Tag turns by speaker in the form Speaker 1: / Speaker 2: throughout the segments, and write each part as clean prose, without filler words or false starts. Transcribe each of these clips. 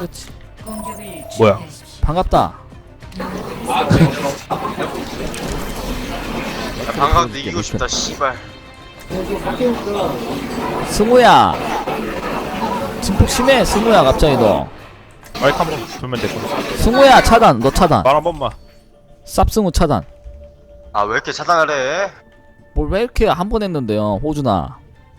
Speaker 1: 그렇지.
Speaker 2: 뭐야?
Speaker 1: 반갑다.
Speaker 3: 방강도 이기고 싶다 씨발.
Speaker 1: 승우야. 증폭 심해. 승우야 갑자기 너.
Speaker 2: 마이크 한번 돌면 될 거야.
Speaker 1: 승우야 차단. 너 차단.
Speaker 2: 말 한 번만.
Speaker 1: 쌉승우 차단.
Speaker 3: 아 왜 이렇게 차단을 해?
Speaker 1: 뭘 왜 이렇게 한 번 했는데요 호준아.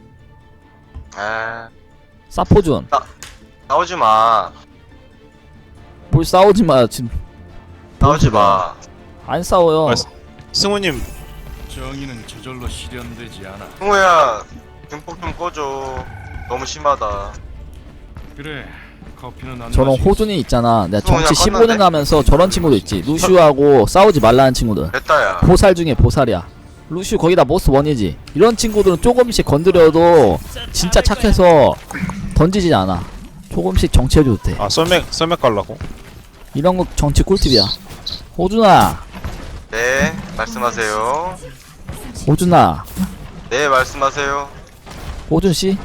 Speaker 3: 아
Speaker 1: 쌉호준.
Speaker 3: 싸우지 마.
Speaker 1: 뭘 싸우지마 지금.
Speaker 3: 싸우지 마.
Speaker 1: 안 싸워요.
Speaker 2: 승우님
Speaker 4: 정의는 저절로 실현되지 않아.
Speaker 3: 승우야 중폭 좀 꺼줘. 너무 심하다.
Speaker 4: 그래, 커피는 안
Speaker 1: 저런
Speaker 4: 마시겠어.
Speaker 1: 호준이 있잖아. 내가
Speaker 3: 그냥
Speaker 1: 정치
Speaker 3: 껐는데?
Speaker 1: 15년 하면서 저런 친구도 있지. 루슈하고 싸우지 말라는 친구들.
Speaker 3: 됐다야.
Speaker 1: 보살 중에 보살이야. 루슈 거기다 모스 원이지. 이런 친구들은 조금씩 건드려도 진짜 착해서 던지지 않아. 조금씩 정치해줘도 돼.
Speaker 2: 아 썰맥 갈라고?
Speaker 1: 이런 거 정치 꿀팁이야. 호준아.
Speaker 3: 네 말씀하세요.
Speaker 1: 호준아.
Speaker 3: 네 말씀하세요.
Speaker 1: 호준씨.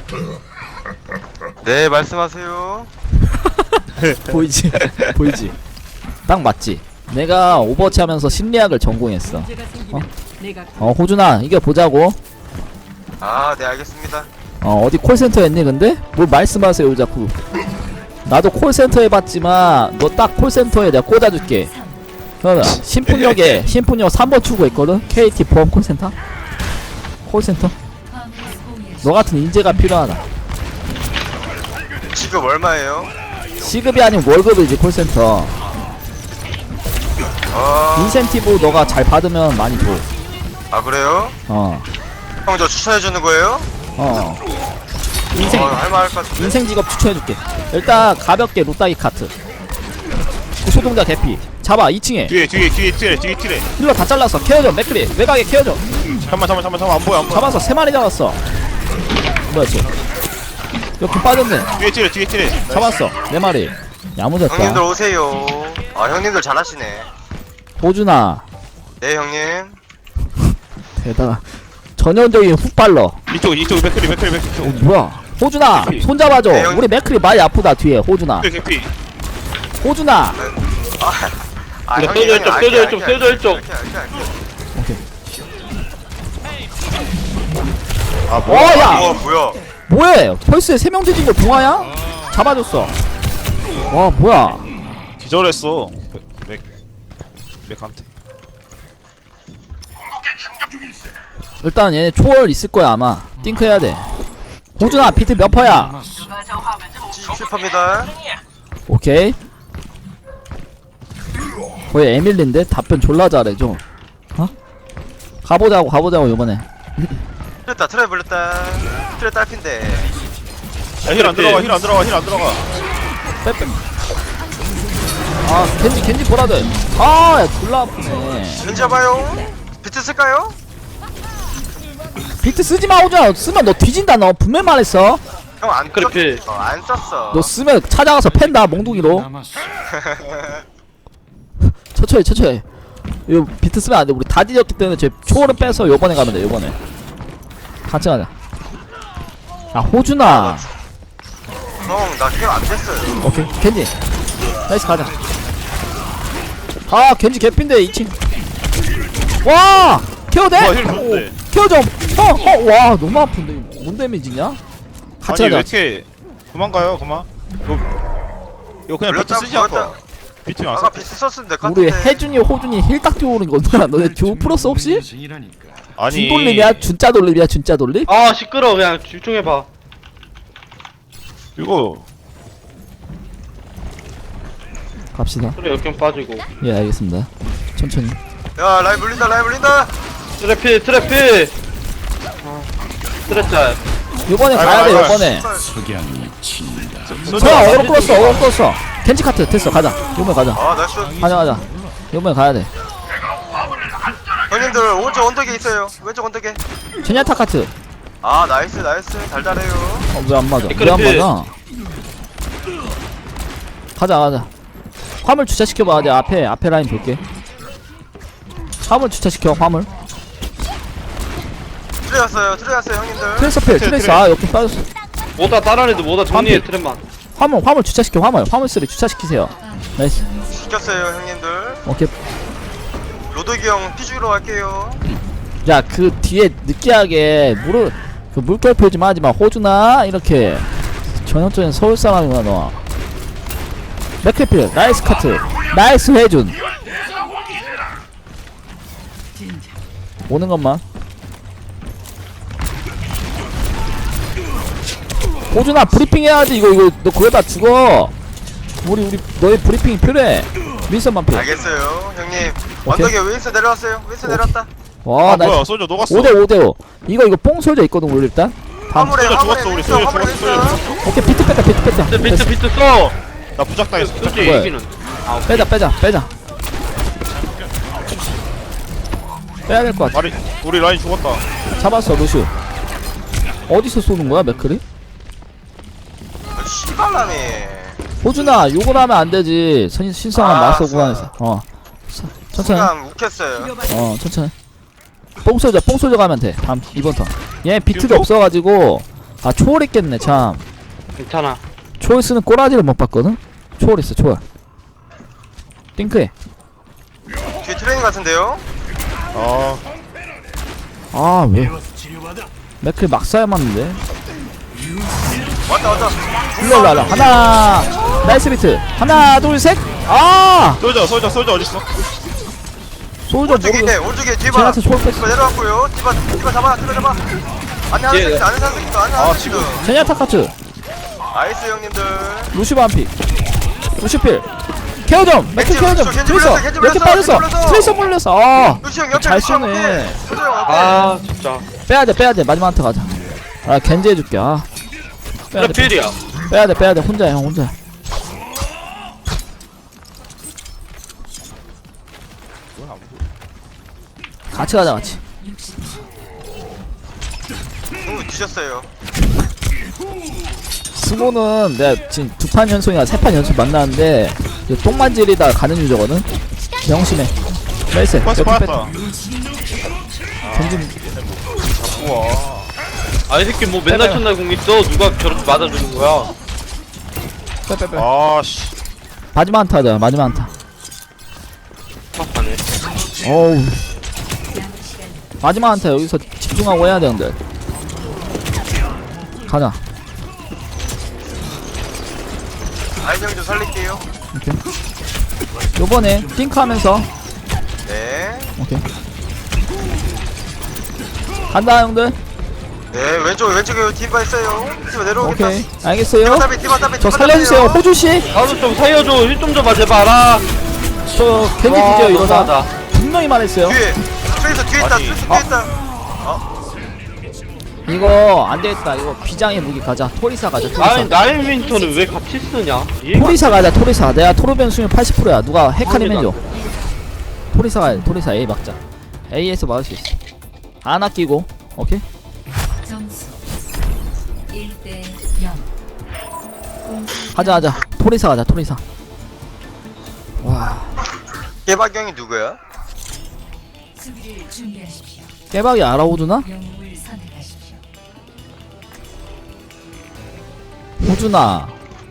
Speaker 3: 네 말씀하세요.
Speaker 1: 보이지? 보이지? 딱 맞지? 내가 오버워치 하면서 심리학을 전공했어. 호준아 이겨보자고.
Speaker 3: 아 네 알겠습니다.
Speaker 1: 어디 콜센터 했니 근데? 뭘 말씀하세요 자꾸. 나도 콜센터 해봤지만 너 딱 콜센터에 내가 꽂아줄게. 그러면 신분역에 신분역 3번 출구했거든? KT 보험 콜센터? 콜센터? 너 같은 인재가 필요하다.
Speaker 3: 지금 얼마예요?
Speaker 1: 시급이 아니면 월급이지 콜센터. 인센티브 너가 잘 받으면 많이 줘.
Speaker 3: 아 그래요?
Speaker 1: 어.
Speaker 3: 형 저 추천해주는 거예요?
Speaker 1: 인생
Speaker 3: 할말 할 것 같은데.
Speaker 1: 인생 직업 추천해줄게. 일단 가볍게 로따기 카트. 소동자 개피. 잡아 2층에.
Speaker 2: 뒤에 튀래.
Speaker 1: 힐러 다 잘랐어. 케어줘 맥크리. 외곽에 케어줘.
Speaker 2: 잠만 안 보여.
Speaker 1: 잡았어. 3마리 잡았어. 뭐야 쟤. 여기 빠졌네.
Speaker 2: 뒤에 튀래.
Speaker 1: 잡았어. 4마리.
Speaker 3: 형님들
Speaker 1: 야무졌다.
Speaker 3: 오세요. 아 형님들 잘하시네.
Speaker 1: 호준아.
Speaker 3: 네 형님.
Speaker 1: 대단하. 전형적인 훅발러.
Speaker 2: 이쪽 맥크리.
Speaker 1: 뭐야. 호준아 손 잡아줘.
Speaker 3: 네, 형.
Speaker 1: 우리 맥크리 많이 아프다 뒤에. 호준아.
Speaker 2: 개피.
Speaker 1: 호준아.
Speaker 3: 아
Speaker 5: 이거 쏘져 있죠, 쏘져 있죠, 쏘져 있죠.
Speaker 1: 오케이.
Speaker 2: 뭐야?
Speaker 1: 야.
Speaker 3: 뭐야?
Speaker 1: 뭐해? 펄스에 3명 뒤진 거 동화야? 잡아줬어. 와 뭐야?
Speaker 2: 기절했어. 맥한테.
Speaker 1: 일단 얘네 초월 있을 거야 아마. 띵크 해야 돼. 호준아 비트 몇 퍼야?
Speaker 3: 7%입니다.
Speaker 1: 오케이. 거의 에밀린데 답변 졸라 잘해 좀. 가보자고 요번에.
Speaker 3: 틀렸다 트레 불렸다. 트레 딸핀데.
Speaker 2: 힐 안 들어가.
Speaker 1: 빼빼. 아 겐지 보라들. 야 졸라 아프네.
Speaker 3: 겐지봐요. 비트 쓸까요?
Speaker 1: 비트 쓰지마 호준아. 쓰면 너 뒤진다. 너 분명 말했어.
Speaker 3: 형 안
Speaker 5: 그래,
Speaker 3: 썼어. 안 썼어.
Speaker 1: 너 쓰면 찾아가서 팬다 몽둥이로.
Speaker 4: 남았어.
Speaker 1: 천천히. 이거 비트 쓰면 안돼. 우리 다 뒤졌기 때문에 제 초월은 빼서 요번에 가면 돼. 요번에 같이 가자. 호준아.
Speaker 3: 형나 케어 안 됐어요.
Speaker 1: 오케이 겐지 나이스 가자. 겐지 개핀데 2층. 와 케어 돼?
Speaker 2: 힐 좋은데.
Speaker 1: 케어 좀. 와 너무 아픈데 이거 뭔 데미지냐? 같이
Speaker 2: 아니 왜
Speaker 1: 가자.
Speaker 2: 이렇게 그만. 이거 그냥 비트 쓰지 않고. 비트 안
Speaker 3: 아까
Speaker 2: 써.
Speaker 3: 비트 썼으면 될 것
Speaker 1: 우리
Speaker 3: 같은데.
Speaker 1: 혜준이 호준이 힐딱 뛰어오는 거 뭐야? 너네 듀오 풀었어 혹시?
Speaker 4: 인생이라니까.
Speaker 2: 아니.
Speaker 1: 준돌림이야? 준짜 돌림이야? 준짜 돌림?
Speaker 5: 아 시끄러워. 그냥 집중해봐.
Speaker 2: 이거
Speaker 1: 갑시다.
Speaker 5: 그래 역경 빠지고.
Speaker 1: 예 알겠습니다. 천천히.
Speaker 3: 야 라인 물린다.
Speaker 5: 트래피. 트래짤.
Speaker 1: 요번에 가야 돼. 요번에.
Speaker 4: 석양이 친다.
Speaker 1: 서야 어그로 끌었어. 겐지 카트 됐어. 가자. 요번에 가자.
Speaker 3: 아 나이스.
Speaker 1: 가자. 요번에 가야 돼.
Speaker 3: 형님들 오른쪽 언덕에 있어요. 왼쪽 언덕에.
Speaker 1: 제냐타 카트.
Speaker 3: 아 나이스 달달해요.
Speaker 1: 왜 안 맞아? 왜 안 맞아? 가자. 화물 주차시켜봐. 내가 앞에 라인 볼게. 화물 주차시켜. 화물.
Speaker 3: 트레 왔어요 형님들.
Speaker 1: 트레스 필. 트레스. 여기 빠졌어.
Speaker 5: 다른 애들 뭐다 정리해 트랩만.
Speaker 1: 화물 주차시켜. 화물 쓰리 주차시키세요. 나이스.
Speaker 3: 시켰어요 형님들.
Speaker 1: 오케이.
Speaker 3: 로드기 형 피주로 갈게요.
Speaker 1: 야, 그 뒤에 느끼하게 그 물결 표지 마지마. 호주나 이렇게 전형적인 서울 사람이구나 너. 맥크필 나이스 카트. 나이스 회준. 오는 것만. 호준아 브리핑 해야지. 이거 너 그러다 죽어. 우리 너의 브리핑이 필요해. 윈선만 필요.
Speaker 3: 알겠어요 형님. 언덕에 윈스 내려왔어요. 윈스 내려왔다.
Speaker 1: 와,
Speaker 2: 아
Speaker 1: 나이스.
Speaker 2: 뭐야 솔저 녹았어.
Speaker 1: 5대5. 이거 뽕 솔져 있거든 우리 일단.
Speaker 3: 화물에
Speaker 2: 솔저
Speaker 3: 화물에
Speaker 2: 죽었어, 우리
Speaker 3: 윈스
Speaker 2: 솔저
Speaker 3: 화물에
Speaker 2: 죽었어,
Speaker 3: 윈스.
Speaker 1: 오케이 비트 뺐다.
Speaker 5: 비트 써.
Speaker 2: 나 부작당했어.
Speaker 5: 솔직히
Speaker 1: 뭐야?
Speaker 5: 이기는.
Speaker 1: 빼자. 빼야 될 것 같아.
Speaker 2: 우리 라인 죽었다.
Speaker 1: 잡았어 루슈. 어디서 쏘는 거야 맥클이?
Speaker 3: 씨발라미.
Speaker 1: 호준아 욕을 하면 안 되지. 신성한
Speaker 3: 아,
Speaker 1: 마스터
Speaker 3: 알았어.
Speaker 1: 구간에서. 천천히.
Speaker 3: 순간 욱했어요.
Speaker 1: 천천히. 뽕 쏘져 가면 돼. 다음 이번 턴. 얘 비트도
Speaker 2: 비트도?
Speaker 1: 없어가지고 초월했겠네 참.
Speaker 5: 괜찮아.
Speaker 1: 초월 쓰는 꼬라지를 못 봤거든. 초월 있어 초월. 띵크해.
Speaker 3: 뒤에 트레이닝 같은데요?
Speaker 2: 아
Speaker 1: 왜? 맥클 막 쏴야 맞는데.
Speaker 3: 왔다.
Speaker 1: 일로 하나. 나이스 비트. 하나 둘 셋.
Speaker 2: 솔저 어딨어?
Speaker 1: 솔저
Speaker 3: 오른쪽에
Speaker 1: 모르고.
Speaker 3: 오른쪽에 뒤에 봐.
Speaker 1: 제나타 초월 뺐어.
Speaker 3: 디바 내려왔고요. 디바 잡아. 안에 하나
Speaker 5: 예.
Speaker 3: 새끼도 안에 하나 새끼도 안에 하나 새끼도.
Speaker 1: 제냐타 카트.
Speaker 3: 나이스 형님들.
Speaker 1: 루시 반피. 루시필. 케어 좀. 맥클 케어 좀.
Speaker 3: 겐지
Speaker 1: 트레이서.
Speaker 3: 물렸어, 겐지
Speaker 1: 이렇게
Speaker 3: 물렸어,
Speaker 1: 빠졌어.
Speaker 3: 겐지 물렸어.
Speaker 1: 트레이서 물렸어.
Speaker 3: 루시 형 옆에
Speaker 1: 잘
Speaker 3: 루시 형
Speaker 1: 쏘네.
Speaker 3: 옆에. 루시 형 옆에.
Speaker 5: 아 진짜.
Speaker 1: 빼야 돼. 마지막 한테 가자. 겐지 해줄게. 빼야 돼.
Speaker 5: 필이야.
Speaker 1: 빼야 돼. 혼자야 형 혼자. 같이 가자 같이.
Speaker 3: 뒤졌어요.
Speaker 1: 스모는 내가 지금 2판 연속이나 3판 연속 만나는데 똥만질이다 가는 유저거든. 명심해. 나이스.
Speaker 2: 빠졌어 빠졌다.
Speaker 1: 던진.
Speaker 2: 우와.
Speaker 5: 이 새끼 뭐 맨날
Speaker 1: 빼봐요.
Speaker 5: 첫날 공 있어. 누가 저렇게 맞아주는 거야?
Speaker 1: 빼.
Speaker 2: 아씨.
Speaker 1: 마지막 한타 하자. 마지막 한타.
Speaker 5: 막하네.
Speaker 1: 어우. 마지막 한타 여기서 집중하고 해야 되는데. 가자.
Speaker 3: 아이형 좀 살릴게요.
Speaker 1: 오케이. 요번에 띵크하면서.
Speaker 3: 네.
Speaker 1: 오케이. 간다 형들.
Speaker 3: 네 왼쪽에 디바 있어요. 디바 내려오겠다.
Speaker 1: 오케이. 알겠어요.
Speaker 3: 디바 따비.
Speaker 1: 저 살려주세요. 호주씨.
Speaker 5: 나도 좀 살려줘. 힐 좀 줘봐 제발.
Speaker 1: 저 겐지 뒤져요 이러다. 분명히 말했어요.
Speaker 3: 뒤에 트레이서 뒤에 있다.
Speaker 2: 아니.
Speaker 3: 트레이서 뒤에 있다.
Speaker 1: 이거 안되겠다. 이거 비장의 무기 가자. 토리사 가자.
Speaker 5: 아니
Speaker 1: 토리사.
Speaker 5: 나인 윈터는 왜 같이 쓰냐?
Speaker 1: 토리사 가자. 토리사. 내가 토르변 수율 80%야. 누가 헤카림 해줘. 토리사 가야 돼. 토리사 A 막자. A에서 막을 수 있어. 안 아끼고. 오케이.
Speaker 6: 점수 1대 0.
Speaker 1: 가자. 토리사 가자. 토리사. 와.
Speaker 3: 개박경이 누구야?
Speaker 6: 수비를 준비하십시오.
Speaker 1: 깨박이 알아오주나?
Speaker 6: 영웅을 선택하십시오.
Speaker 1: 호주나.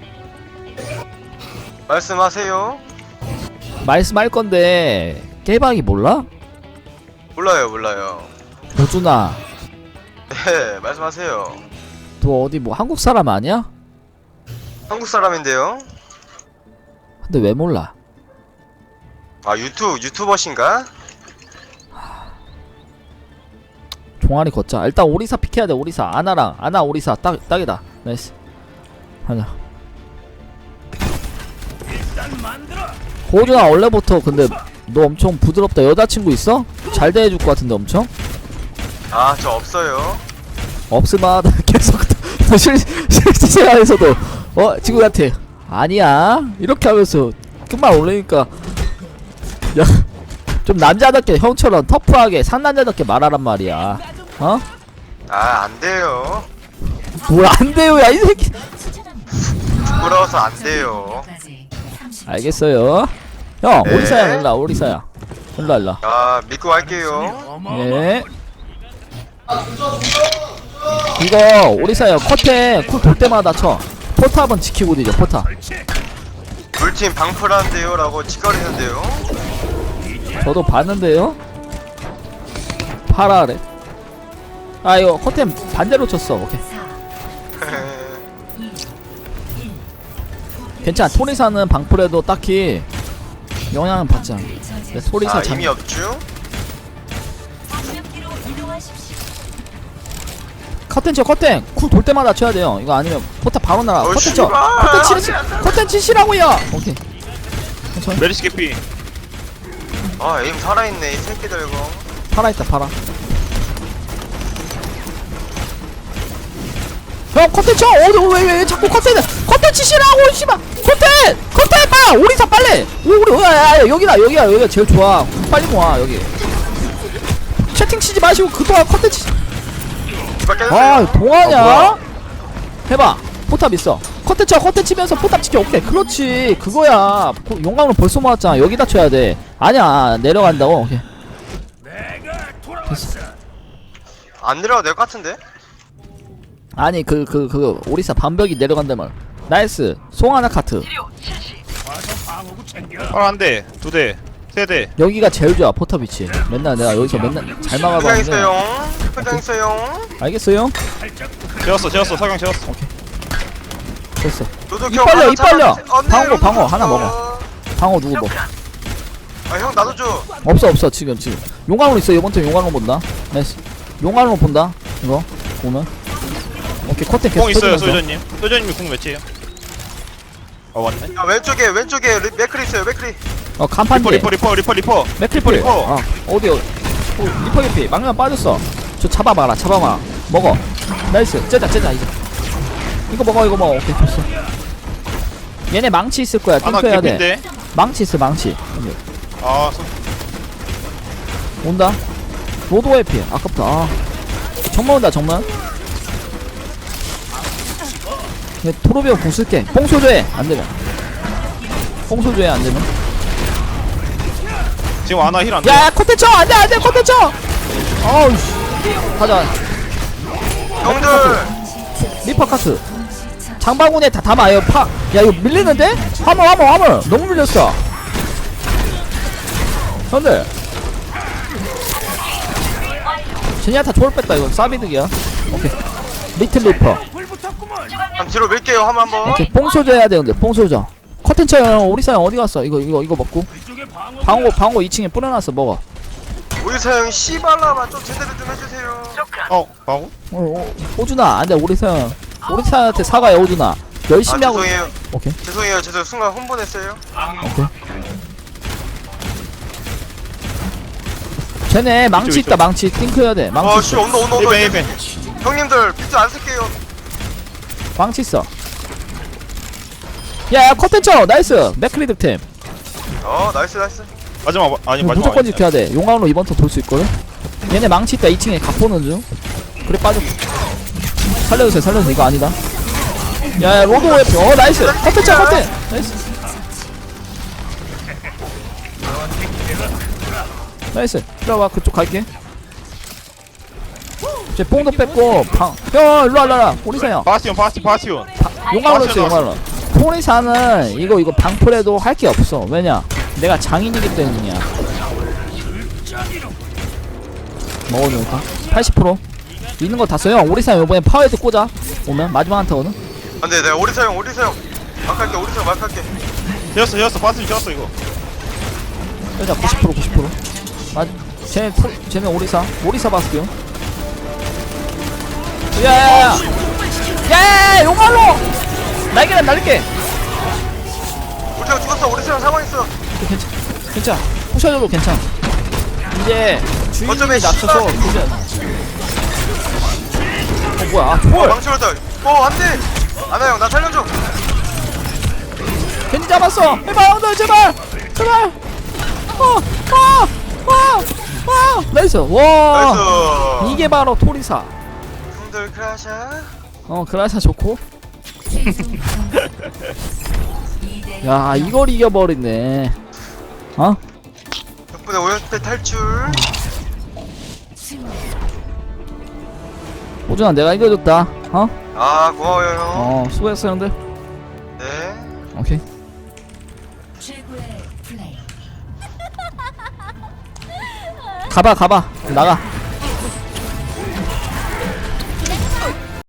Speaker 3: 말씀하세요.
Speaker 1: 말씀할 건데 깨박이 몰라?
Speaker 3: 몰라요.
Speaker 1: 호주나.
Speaker 3: 네 말씀하세요.
Speaker 1: 너 어디 뭐 한국 사람 아니야?
Speaker 3: 한국 사람인데요.
Speaker 1: 근데 왜 몰라?
Speaker 3: 아 유튜버신가?
Speaker 1: 종아리 걷자. 일단 오리사 픽해야 돼. 오리사. 아나 오리사 딱이다. 나이스. 하자. 호주나 원래부터 근데 너 엄청 부드럽다. 여자친구 있어? 잘 대해줄 것 같은데 엄청?
Speaker 3: 아 저 없어요.
Speaker 1: 없을만하다. 계속 실생활에서도 친구한테 아니야 이렇게 하면서 끝만 올리니까 야 좀 남자답게 형처럼 터프하게 상남자답게 말하란 말이야. 어?
Speaker 3: 아 안돼요.
Speaker 1: 뭘 안 돼요 야 이 새끼.
Speaker 3: 부끄러워서 안돼요.
Speaker 1: 알겠어요. 형
Speaker 3: 네.
Speaker 1: 오리사야 일라 오리사야. 일라.
Speaker 3: 아 믿고 갈게요.
Speaker 1: 예. 이거 오리사야 컷에 쿨 돌 때마다 쳐. 포탑은 지키고 뒤져 포탑.
Speaker 3: 물팀 방풀한데요 라고 짓거리는데요.
Speaker 1: 저도 봤는데요. 파라래. 아 이거 커튼 반대로 쳤어. 오케이.
Speaker 6: 2 1
Speaker 1: 괜찮아. 토리사는 방풀에도 딱히 영향은 받지 않아. 근데 토리사
Speaker 3: 아
Speaker 1: 장.
Speaker 3: 이미 없죠?
Speaker 6: 방벽기로 이동하십시오.
Speaker 1: 커튼 쳐 커튼 쿨 돌 때마다 쳐야 돼요. 이거 아니면 포탑 바로 날아. 커튼 쳐.
Speaker 3: 씨발.
Speaker 1: 커튼 치시. 커튼 치시라고요. 오케이. 천천히.
Speaker 2: 메리시 개피.
Speaker 3: 아 에임 살아있네 이 새끼들 이거.
Speaker 1: 팔아 있다 팔아. 형 커튼 쳐. 왜 자꾸 커튼 치시라고 씨발. 커튼 봐. 오리사 빨리. 우리 야, 여기가 제일 좋아. 빨리 모아 여기. 채팅 치지 마시고 그동안 커튼 치. 아 동하냐? 해봐. 포탑 있어. 커튼 치면서 포탑 지켜. 오케이 그렇지 그거야. 용광로 벌써 모았잖아. 여기다 쳐야 돼. 아니야 내려간다고. 오케이.
Speaker 3: 안 내려가도 될 것 같은데?
Speaker 1: 아니 그 오리사 반벽이 내려간다면. 나이스. 송하나 카트.
Speaker 2: 한 대, 두 대, 세 대.
Speaker 1: 여기가 제일 좋아 포탑 위치. 맨날 내가 여기서 맨날 잘
Speaker 3: 회장
Speaker 1: 막아봤는데.
Speaker 3: 있어요. 회장 있어요.
Speaker 1: 알겠어요?
Speaker 2: 재웠어. 석양 재웠어.
Speaker 1: 됐어.
Speaker 3: 로독
Speaker 1: 입
Speaker 3: 형
Speaker 1: 벌려,
Speaker 3: 하나
Speaker 1: 입 벌려.
Speaker 3: 잡아- 안 돼, 로독
Speaker 1: 방어 하나
Speaker 3: 줬어.
Speaker 1: 먹어. 방어 누구 뭐?
Speaker 3: 아 형 나도 줘.
Speaker 1: 없어 지금. 용광로 있어. 이번 턴 용광로 본다. 나이스. 용광로 본다. 이거 보면. 오케이 커튼 계속
Speaker 2: 공 있어요,
Speaker 1: 터지면서.
Speaker 2: 소유자님. 소유자님이 공 몇이에요? 아 왔네.
Speaker 3: 야 왼쪽에 맥크리 있어요 맥크리.
Speaker 1: 간판 뒤에
Speaker 2: 리퍼.
Speaker 1: 맥트리플.
Speaker 2: 리퍼.
Speaker 1: 어디 리퍼 개피. 망령 빠졌어. 저 잡아봐라. 먹어. 나이스. 째자 이제. 이거 먹어. 오케이 됐어. 얘네 망치 있을 거야.
Speaker 2: 하나
Speaker 1: 탱크해야 돼.
Speaker 2: 개피인데.
Speaker 1: 망치 있어 망치.
Speaker 2: 아,
Speaker 1: 온다. 로드 회피. 아깝다. 정면 온다 정면. 얘 토로비오 공 쓸게. 뽕소조해 안되면. 뽕소조해 안되면.
Speaker 2: 지금 아나 힐 안 돼.
Speaker 1: 야 커튼 쳐. 안돼 커튼 쳐. 어우 씨. 가자.
Speaker 3: 형들
Speaker 1: 리퍼 카트. 장바구니에 다 담아요. 야 이거 밀리는데? 화물 너무 밀렸어. 형들 제니아타 졸 뺐다. 이건 싸비득이야. 오케이 리틀 리퍼.
Speaker 3: 한 뒤로 밀게요 한번.
Speaker 1: 오케이 뽕소저 해야 되는데 뽕소저. 커튼 쳐요. 우리 사람 어디 갔어? 이거 먹고. 방어 2층에 뿌려놨어. 먹어.
Speaker 3: 우리 사형 씨발라만 좀 제대로 좀 해주세요.
Speaker 2: 방어?
Speaker 1: 호준아 안돼. 우리 사람한테 사과해. 호준아 열심히 하고.
Speaker 3: 죄송해요.
Speaker 1: 오케이
Speaker 3: 죄송해요. 제가 순간 혼돈했어요.
Speaker 1: 오케이. 쟤네 망치 있다. 망치 띵크해야 돼. 망치
Speaker 3: 아씨
Speaker 1: 있어.
Speaker 3: 온다.
Speaker 2: 1벤.
Speaker 3: 형님들 비트 안 쓸게요.
Speaker 1: 망치 있어. 야 커튼 쳐. 나이스. 맥크리 득템.
Speaker 3: 나이스.
Speaker 2: 마지막 아니 마지막.
Speaker 1: 무조건 지켜야 돼. 용광로 이번 턴 돌 수 있거든. 얘네 망치 있다. 2층에 각 보는 중. 그래 빠져. 살려주세요. 이거 아니다. 야 로드 웨프. 나이스. 커튼 쳐. 나이스. 들어와. 그쪽 갈게. 쟤 뽕도 뺐고 형 일로와. 오리사형
Speaker 2: 바스티온.
Speaker 1: 용광로 써. 용광로. 오리사는 이거 방풀해도 할 게 없어. 왜냐 내가 장인이기 때문이야. 먹어놓을까? 80% 있는 거 다 써요. 오리사형 이번에 파워헤드 꽂아. 오면 마지막 한타거든.
Speaker 3: 안돼 내가 오리사 형 막할게. 오리사 막할게.
Speaker 2: 재웠어. 바스티온 재웠어 이거.
Speaker 1: 여자 90%. 쟤네 오리사 바스티온. 야야야 용광로 날게.
Speaker 3: 오리사 형 죽었어. 오리사 형 사망 있어.
Speaker 1: 괜찮아. 부셔줘도 괜찮아. 이제 주인이
Speaker 3: 어쩌면
Speaker 1: 낮춰서
Speaker 3: 씨발.
Speaker 1: 부셔. 뭐야 초월.
Speaker 3: 망치로다. 안돼. 아나 형 나 살려줘.
Speaker 1: 괜히 잡았어. 해봐 형들 제발. 나이스. 와
Speaker 3: 나이스.
Speaker 1: 이게 바로 토리사.
Speaker 3: 형들 크라샤.
Speaker 1: 그라샤 좋고.
Speaker 6: 최종 점수 2대
Speaker 1: 야 이걸 이겨버리네.
Speaker 3: 덕분에 5연패 탈출.
Speaker 6: 승리.
Speaker 1: 호준아 내가 이겨줬다.
Speaker 3: 아 고마워요 형.
Speaker 1: 수고했어 형들. 오케이.
Speaker 6: 최고의 플레이.
Speaker 1: 가봐 나가.